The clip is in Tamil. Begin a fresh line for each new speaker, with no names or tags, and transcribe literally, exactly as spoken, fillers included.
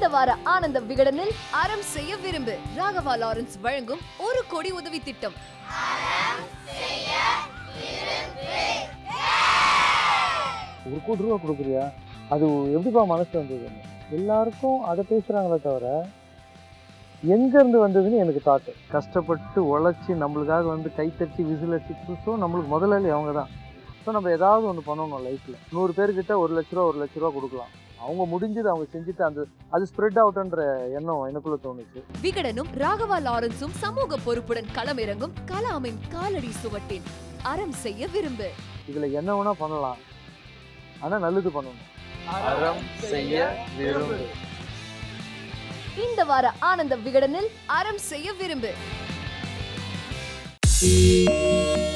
இந்த வார ஆனந்த விகடனில் அறம் செய்ய விரும்பு ராகவா லாரன்ஸ் வழங்கும் ஒரு கோடி உதவி திட்டம்.
ஒரு கோடி ரூபா கொடுக்குறியா, அது எப்படிப்பா மனசு வந்தது? எல்லாருக்கும் அதை பேசுகிறாங்களே தவிர எங்கேருந்து வந்ததுன்னு எனக்கு தாட்டு. கஷ்டப்பட்டு உழைச்சி நம்மளுக்காக வந்து கைத்தட்டி விசில் அடிச்சு ஸோ நம்மளுக்கு முதலாளி அவங்க தான். ஸோ நம்ம ஏதாவது ஒன்று பண்ணணும் லைஃப்பில். நூறு பேர்கிட்ட ஒரு லட்ச ரூபா ஒரு லட்ச ரூபா கொடுக்கலாம். அவங்க முடிஞ்சது அவங்க செஞ்சுட்டு அந்த அது ஸ்ப்ரெட் அவுட்ன்ற எண்ணம் எனக்குள்ள தோணுச்சு.
விகடனும் ராகவா லாரன்ஸும் சமூக பொறுப்புடன் களமிறங்கும் கலாமின் காலடி சுவட்டின் அறம் செய்ய விரும்பு.
இதில் என்ன வேணா பண்ணலாம், ஆனால் நல்லது பண்ணணும். அறம் செய்ய விரும்பு.
இந்த வார ஆனந்த விகடனில் அறம் செய்ய விரும்பு.